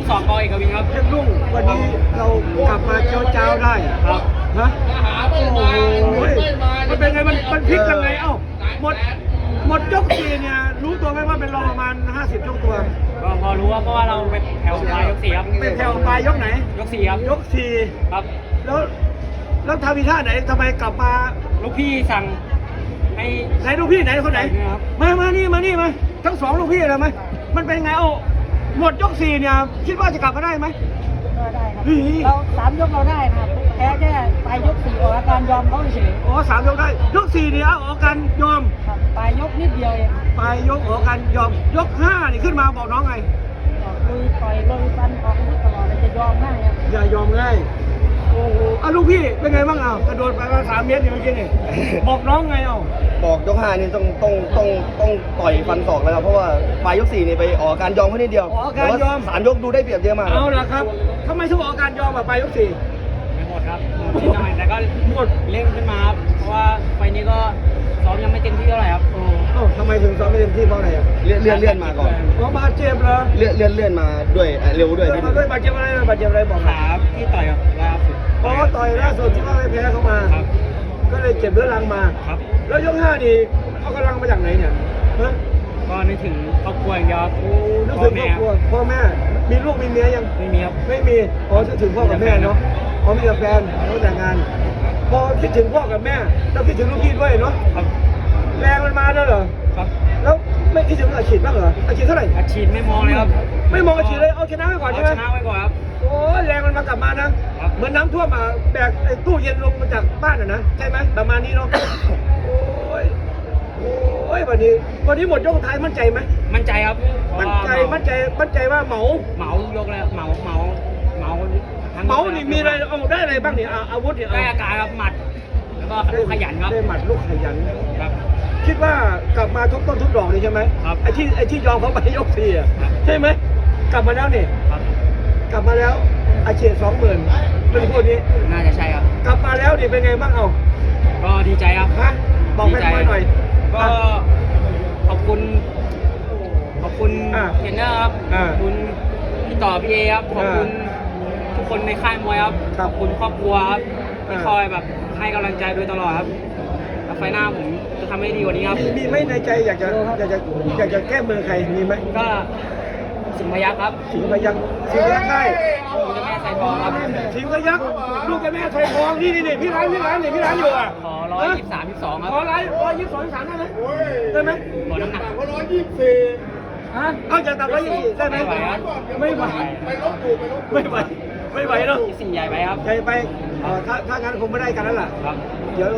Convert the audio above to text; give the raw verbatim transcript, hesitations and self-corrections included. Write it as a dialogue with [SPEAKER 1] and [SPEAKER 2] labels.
[SPEAKER 1] สองกอเอกวินครับ
[SPEAKER 2] เพชรรุ่งวันนี้เรากลับมาเจ้าเจ้าได้
[SPEAKER 1] ครับ
[SPEAKER 2] ฮะโอ้โหมันเป็นไงมันมันพลิกยังไงเอ้าหมดหมดยกสี่เนี่ยรู้ตัวไหมว่าเป็นรองประมาณห้าสิบยกตัว
[SPEAKER 1] ก็พอรู้ว่าเพราะว่าเราเป็นแถวปลายยกสี่ครับ
[SPEAKER 2] เป็นแถวปลายยกไหน
[SPEAKER 1] ยกสี่ครับ
[SPEAKER 2] ยกสี่
[SPEAKER 1] ครับ
[SPEAKER 2] แล้วแล้วทำอีท่าไหนทำไมกลับมา
[SPEAKER 1] ลูกพี่สั่งให้
[SPEAKER 2] ไหนลูกพี่ไหนคนไหน
[SPEAKER 1] ครับ
[SPEAKER 2] มามานี่มานี่มาทั้งสองลูกพี่เลยไหมมันเป็นไงเอ้าหมดยกสี่เนี่ยคิดว่าจะกลับมาได้ไหม
[SPEAKER 3] ก็ได้ครับ
[SPEAKER 2] เฮ้ย
[SPEAKER 3] เราสามยกเราได้นะครับแพ้แค่ปลายยกสี่ออกอาการยอมเขาเฉย
[SPEAKER 2] อ๋อสามยกได้ยกสี่เนี่ยเอาออกกันยอม
[SPEAKER 3] ครับปลายยกนิดเดียวเอง
[SPEAKER 2] ไปยกออกกันยอมยกห้านี่ขึ้นมาบอกน้องไง
[SPEAKER 3] ออกลุยต่อยลุยฟันออกอาวุธตลอดเลยจะยอมง่ายครับ
[SPEAKER 2] อย่ายอมง่ายโอ้โหอ่ะลูกพี่เป็นไงบ้างอ่ะกระโดดไปมาสามเมตรนี่เมื่อกี้นี่บอกน้องไงเอ้า
[SPEAKER 4] บอกยกห้านี่ต้องต้องต้องต้องต่อยฟันศอกแล้วครับเพราะว่าปลายยกสี่นี่ไปออกอาการยอมแค่นิดเดียว
[SPEAKER 2] ออกอาการยอม
[SPEAKER 4] แต่ว่สามยกดูได้เปรียบเยอะมาก
[SPEAKER 2] เอาละครับทำไมถึงออกอาการยอมอ่ะไปยกสี่
[SPEAKER 1] ไม่หมดครับนิดหน่อยแต่ก็
[SPEAKER 2] หมด
[SPEAKER 1] เร่งขึ้นมาครับเพราะว่าไฟล์นี้ก็ซ้อมยังไม่เต็มที่เท่าไหร่ครับ
[SPEAKER 2] โอ้เอ้าทำไมถึงซ้อมไม่เต็มที่เพราะอะไรอ่ะ
[SPEAKER 4] เลื่อนเลื่อนเลื่อนมาก่อน
[SPEAKER 2] เพราะบาดเจ็บเหรอ
[SPEAKER 4] เลื่อนเลื่อนเลื่อนมาด้วยอ่ะเร็วด้วยนิด
[SPEAKER 2] มา
[SPEAKER 4] นึง
[SPEAKER 2] ด้วยบาดเจ็บอะไรบาดเจ็บอะไรบอก
[SPEAKER 1] ขาที่ต่อยกับล่าสุด
[SPEAKER 2] เพราะว่าต่อยล่าสุดที่ว่าไม่แพ้เขามา
[SPEAKER 1] ครับ
[SPEAKER 2] ก็เลยเจ็บเรื้อรังมา
[SPEAKER 1] ครับ
[SPEAKER 2] แล้วยกห้านี่เอากำลังมาจากไหนเนี่ยฮะ
[SPEAKER 1] ก็นึกถึงครอบครัวอย่างเดียวครับ
[SPEAKER 2] โอ้นึกถึงครอบครัวพ่อแม่มีลูกมีเมียยัง
[SPEAKER 1] ไม่มีครับ
[SPEAKER 2] ไม่มีอ๋อนึกถึงพ่อกับแม่เนาะอ๋อมีแต่แฟนแล้วแต่งงาน พอคิดถึงพ่อกับแม่แล้วคิดถึงลูกพี่ด้วยเนาะ
[SPEAKER 1] ครับ
[SPEAKER 2] แรงมันมาด้วยเหรอ
[SPEAKER 1] ครับ
[SPEAKER 2] แล้วไม่คิดถึงอาชีพบ้างเหรออาชีพเท่าไหร่
[SPEAKER 1] อาชีพไม่มองเลยครับ
[SPEAKER 2] ไม่มองอาชีพเลยเอาชนะไว้ก่อน
[SPEAKER 1] เอา
[SPEAKER 2] ใช่ไหม
[SPEAKER 1] ชนะไว้ก่อนครับ
[SPEAKER 2] โอ้ยแรงมันมากลับมานะครับ เหมือนน้ำท่วมมาแบกไอ้ตู้เย็นลงมาจากบ้านอ่ะนะใช่ไหมประมาณนี้เนาะโอ้ยโอ้ยวันนี้วันนี้หมดยกสุดท้ายมั่นใจไหม
[SPEAKER 1] มั่นใจครับเพราะ
[SPEAKER 2] มั่น
[SPEAKER 1] ว่า
[SPEAKER 2] ใจมั่นใจมั่นใจว่าเหมา
[SPEAKER 1] เหมายกแล้วเหมาเหมาเหมาทั้ง
[SPEAKER 2] เหมานี่มีอะไรเอาได้อะไรบ้างเนี่ยอ่ะอาวุธเนี่ย
[SPEAKER 1] ได้
[SPEAKER 2] เอา
[SPEAKER 1] อาการครับหมัด แล้วก็ลูกขยันครับ
[SPEAKER 2] ได้หมัดลูกขยัน
[SPEAKER 1] ครับ
[SPEAKER 2] คิดว่ากลับมาทุกต้นทุกดอกเลยใช่ไหม
[SPEAKER 1] ครับ
[SPEAKER 2] ไอ้ที่ไอ้ที่ยอมเขาไปยกสี่อ่ะ
[SPEAKER 1] ครับ
[SPEAKER 2] ใช่ไหมกลับมาแล้วนี่
[SPEAKER 1] ครับ
[SPEAKER 2] กลับมาแล้วอาเฉียดสองหมื่นเป็นพวกนี้
[SPEAKER 1] น่าจะใช่ครับ
[SPEAKER 2] กลับมาแล้วนี่เป็นไงบ้างเอา
[SPEAKER 1] ก็ดีใจครับ
[SPEAKER 2] ฮะบอกแฟนๆหน่อย
[SPEAKER 1] ก็
[SPEAKER 2] อ่ะ
[SPEAKER 1] ขอบคุณ ขอบคุณ
[SPEAKER 2] อ่ะ
[SPEAKER 1] เทรนเนอร์ครับ
[SPEAKER 2] อ่ะ
[SPEAKER 1] ขอบคุณพี่ต่อพี่เอครับ ขอบคุณ
[SPEAKER 2] อ่
[SPEAKER 1] ทุกคนในค่ายมวยครับ
[SPEAKER 2] ครั
[SPEAKER 1] ข
[SPEAKER 2] บ
[SPEAKER 1] อบคุณครอบครัวครับที่
[SPEAKER 2] อ่ะ
[SPEAKER 1] คอยแบบให้กำลังใจโดยตลอดครับแล้วไฟล์หน้าผมจะทำให้ดีกว่านี้ครับ
[SPEAKER 2] มีมีไหมในใจอยากจะอยากจะอยากจะแก้มือใครมีไหม
[SPEAKER 1] ก็สิงห์พยัคฆ์ครับ
[SPEAKER 2] สิงห์พยัคฆ์สิงห์พยัคฆ์ใช่
[SPEAKER 1] คุณเจ้าแม่ไซทองครับ
[SPEAKER 2] สิงห์พยัคฆ์ลูกกับแม่ไทยทองนี่นี่นี่พี่ร้านพี่ร้านนี่พี่ร้านอยู่อ่ะ
[SPEAKER 1] ขอร้อยยี่สิบสามยี่สิบสองครับ
[SPEAKER 2] ขอร้อยร้อยยี่สิบสองยี่สิบสามได้ไหมได้ไหม
[SPEAKER 1] ขอน้ำหนัก
[SPEAKER 2] ฮะเอาจากตับร้อยยี่สิบได้ไหม
[SPEAKER 1] ไม่ไหวครับ
[SPEAKER 2] ไม่ไหวไม่ไหวไม่ไหวเนาะ
[SPEAKER 1] สี่ใหญ่ไปครับ
[SPEAKER 2] ใจไปเอ่อถ้าถ้างั้นคงไม่ได้กันแล้วล่ะ
[SPEAKER 1] ครับ
[SPEAKER 2] เดี๋ยว